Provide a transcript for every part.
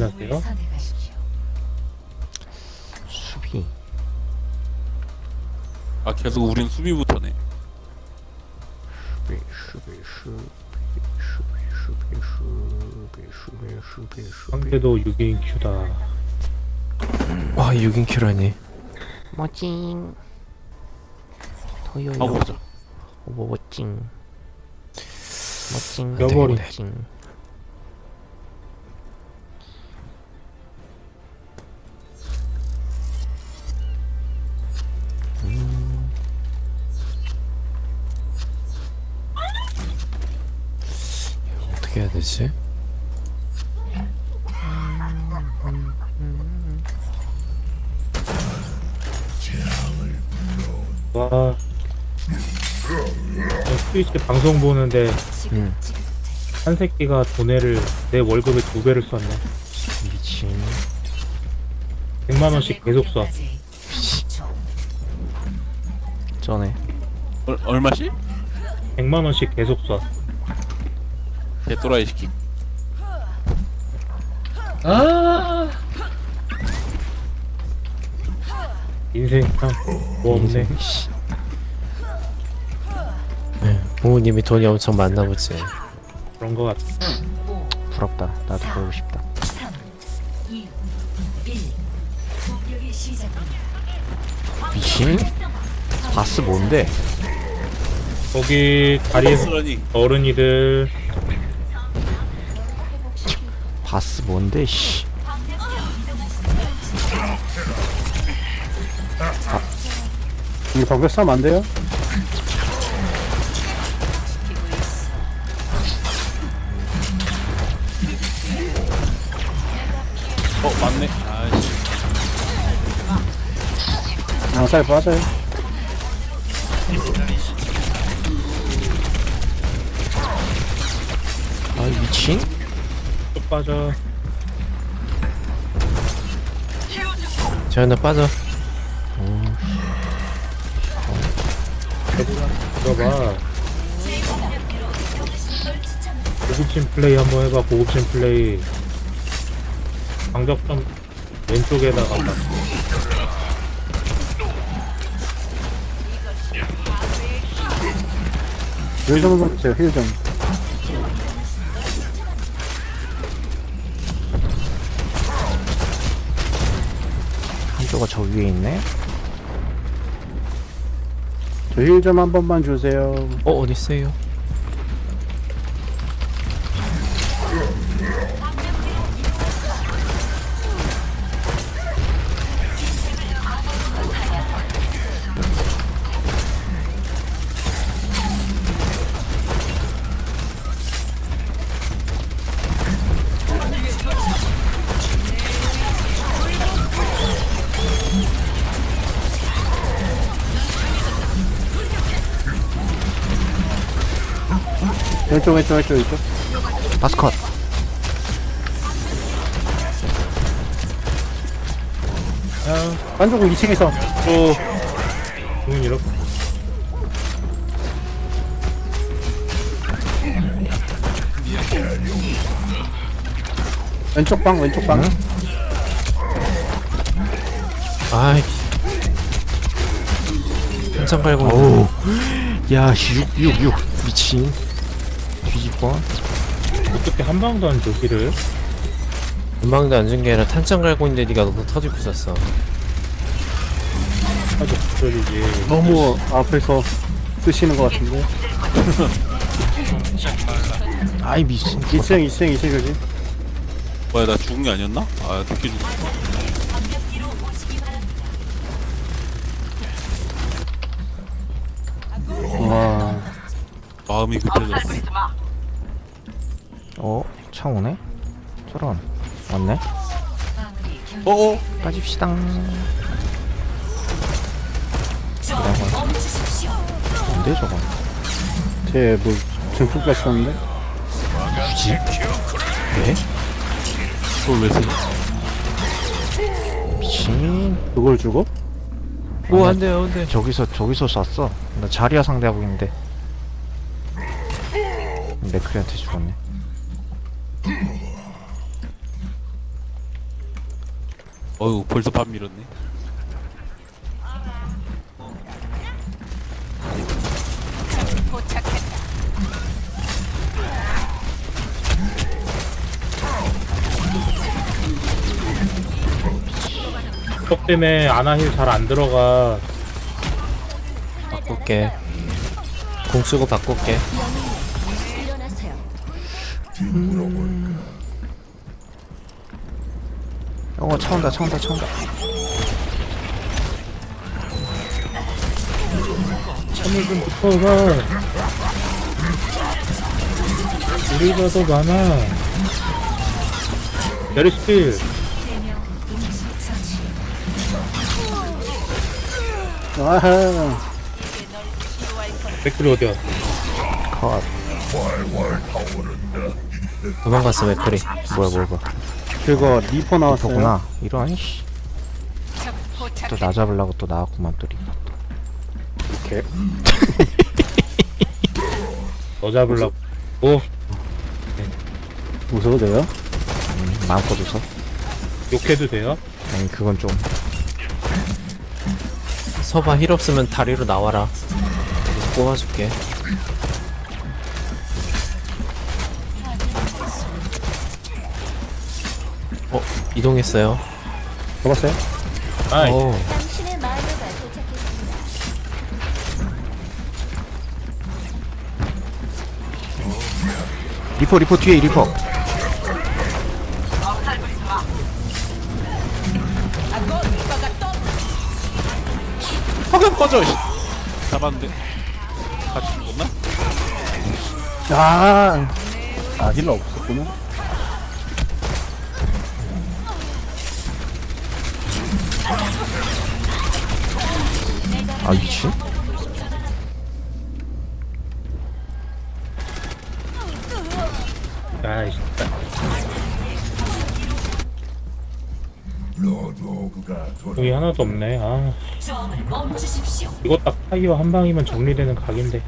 안녕하세요. 수비. 아 계속 우린 수비부터네. 상대도 6인 큐다. 와 6인 큐라니. 멋징 토요요 하고 보자. 멋징 멋징 여버리. 멋징 어떻게 해야 되지? 와. 스위치 방송 보는데 한 새끼가 돈을 내 월급의 2배를 썼네. 미친. 100만원씩 계속 써. 쩌네. 얼마씩? 100만원씩 계속 써. 개또라이 시키. 인생 참 뭐 없네. 씨. 네, 부모님이 돈이 엄청 많나 보지. 그런 거 같아. 부럽다. 나도 보고 싶다. 미친? 바스 뭔데? 거기 다리에서 버스라니. 어른이들 바스 뭔데? 씨. 이거 벽에 싸면 안 돼요? 맞네. 아이씨. 살 빠져요. 아 미친? 쭉 빠져. 재현아 빠져. 들어봐. 고급진 플레이 한번 해봐. 고급진 플레이. 방적점 왼쪽에다가 딱. 힐좀 해주세요, 힐 좀. 한조가 저 위에 있네? 저 힐 좀 한 번만 주세요. 어딨어요? 왼쪽, 왼쪽, 왼쪽, 왼쪽. 바스 컷. 안쪽은 2층에서. 응, 이렇게. 왼쪽 방, 왼쪽 방. 아이. 한참 갈고 오우. 야, 6 미친. 뒤집어. 어떻게 한 방도 안 줘, 힐을? 금방도 안 준 게 아니라 탄창 갈고 있는데 니가 너무 터지고 있었어. 아주 부절이지. 너무 앞에서 쓰시는 것 같은데. 아이 미친. 2층, 2층, 2층 여기. 뭐야 나 죽은 게 아니었나? 아 늦게 죽었어. 와. 마음이 급해졌어. 차 오네? 저런. 왔네? 어어. 빠집시다. 뭔데 저거? 쟤뭐 증폭 가시는데? 굳이? 왜? 그걸 왜 써? 미친. 그걸 주고? 오 안돼요 안돼. 저기서 쐈어. 나 자리야 상대하고 있는데. 맥크리한테 죽었네. 어휴 벌써 밥 밀었네. 적 때문에 아나힐 잘 안 들어가. 바꿀게. 공 쓰고 바꿀게. 일어나세요. 차 온다 차 온다 차 온다. 참을 좀 붙어가. 우리가 더 많아. 메르시필. 아하. 맥클이 어디야? 컷. 도망갔어 맥크리. 뭐야 그거 리퍼 나왔어요. 저구나. 이런 씨. 또 나 잡으려고 또 나왔구만 또 리퍼. 이렇게. 너 잡으려고. 오, 웃어도 돼요? 마음껏 웃어. 욕해도 돼요? 아니 그건 좀. 서봐 힐 없으면 다리로 나와라. 뽑아줄게. 이동했어요. 잡았어요? 아이, 오, 당신의 마녀가 도착했습니다. 리퍼 뒤에 리퍼. 화면 꺼져. 씨. 잡았는데 같이 죽었나? 아 힐러 없었구나. 아 미친. 아이, 진짜. 여기 하나도 없네. 아, 이거 딱 타이어 한 방이면 정리되는 각인데.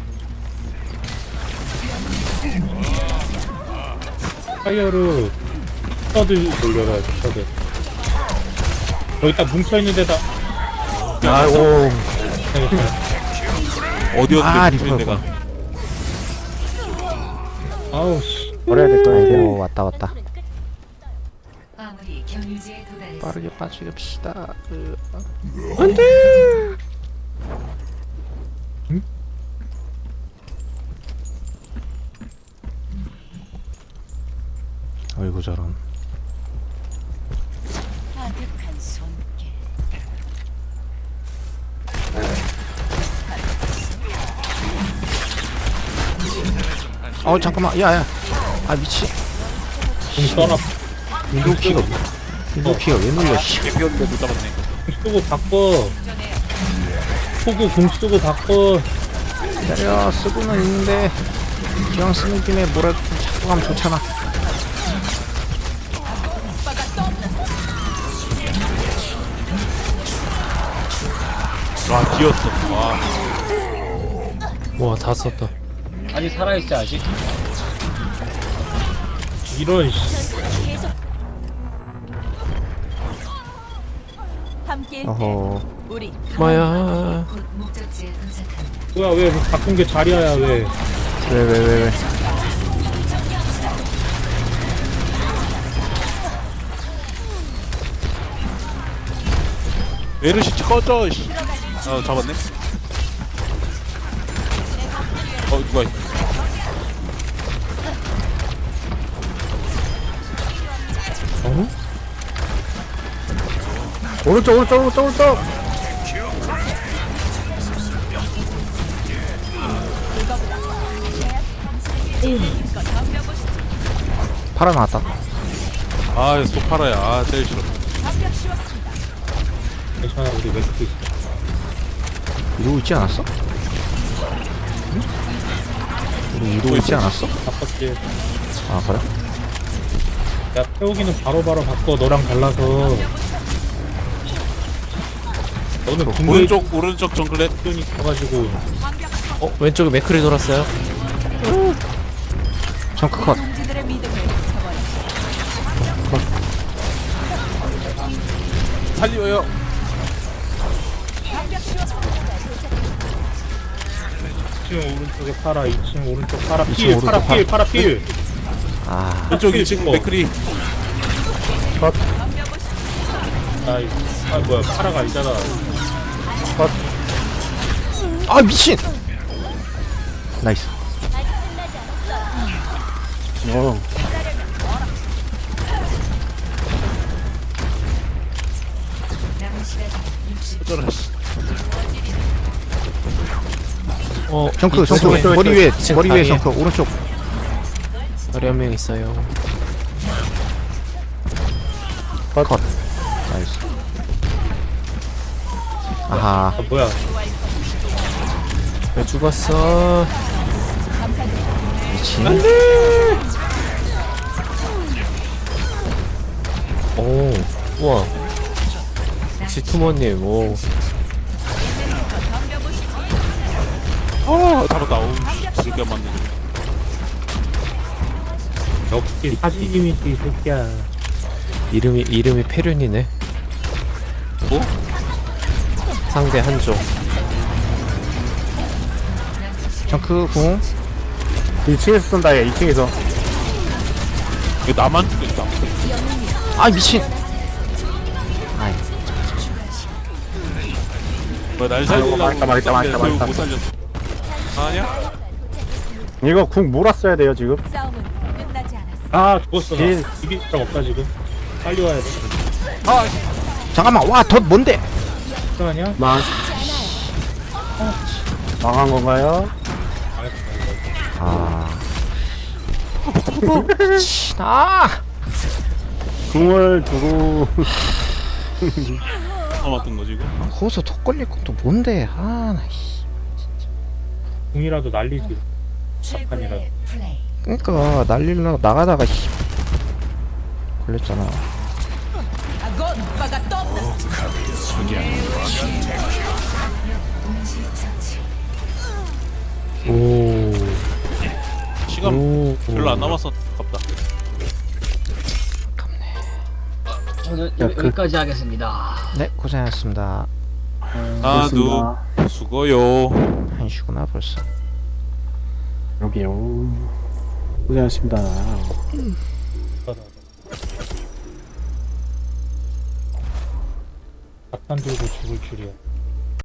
타이어로 스터드 돌려라, 스터드. 여기 딱 뭉쳐있는 데다. 아이고. 어디였는데 리퍼. 내가. 아우, 씨. 버려야 될 거야 이제. 아이고 왔다. 아무리 경유지에 도달했어. 빠르게 빠지갑시다. 아이고 저런. 아득한 손길. 잠깐만 야야. 아 미치. 공 써라. 인도키가 왜 눌려 씨. 개피였는데 못 잡았네. 공 쓰고 바꿔. 호구 공 쓰고 바꿔. 기다려 쓰고는 있는데 기왕 쓰는 김에 뭐라도 좀 찾고 가면 좋잖아. 와 뒤였어. 와. 와 다 썼다. 아직 살아있지, 아직? 이런, 씨. 함께 어허. 우리 마야. 곧 목적지에 도착합니다. 뭐야, 왜 바꾼 게 자리야야, 왜? 왜. 메르시 꺼져. 씨. 잡았네. 누가 있어? 어? 오른쪽. 팔아 나왔다. 또 팔아야. 제일 싫어. 괜찮아, 우리 맥스 있어. 이러고 있지 않았어? 응? 우리 이러고 있지 않았어? 바꿨지. 아 그래? 야, 태우기는 바로바로 바꿔, 너랑 달라서. 너는 궁극이 오른쪽 정글렛. 있어가지고. 왼쪽에 맥크리 돌았어요. 정크 컷. 살려요. 2층 오른쪽에 파라, 2층 오른쪽 파라 2층 필, 오른쪽 파라 필, 파라 필. 아 왼쪽 필 2층 찍어. 맥크리. 아 뭐야 파라가 아니잖아. 아 미친 나이스 정크 머리 위에 머리 위에 정크 오른쪽 머리 한 명 있어요. 컷 나이스 아하 아 뭐야? 왜 죽었어? 미친 오, 우와. 지투머님, 오. 잡았다. 어우, 진짜 맞네. 역시 사진이미지 이 새끼야. 이름이 페륜이네. 뭐? 상대 한조. 정크 궁 2층에서 쏜다 얘 2층에서. 왜 나만 죽겠다. 아 미친 아이 뭐날 살리려고. 망했다. 못 살렸어. 아니야? 이거 궁 몰았어야 돼요 지금. 싸움은 끝나지 않았어. 아 죽었어. 나. 딜. 이길 사람 없다 지금. 빨리 와야 돼. 잠깐만 와덧 뭔데 잠깐만요. 망한 건가요? 아 미친 아 궁을 두고 맞던 거지 이거. 거기서 톡 걸릴 것도 뭔데 아나 궁이라도 날리지. 최고의 플레이. 그니까 날리려고 나가다가 걸렸잖아 오. 시간 오. 별로 안 남았어. 아깝다. 저는 야, 그- 여기까지 하겠습니다. 네 고생하셨습니다 나도 수고요. 1시구나 벌써 여기요. 고생하셨습니다. 박탄 들고 죽을 줄이야.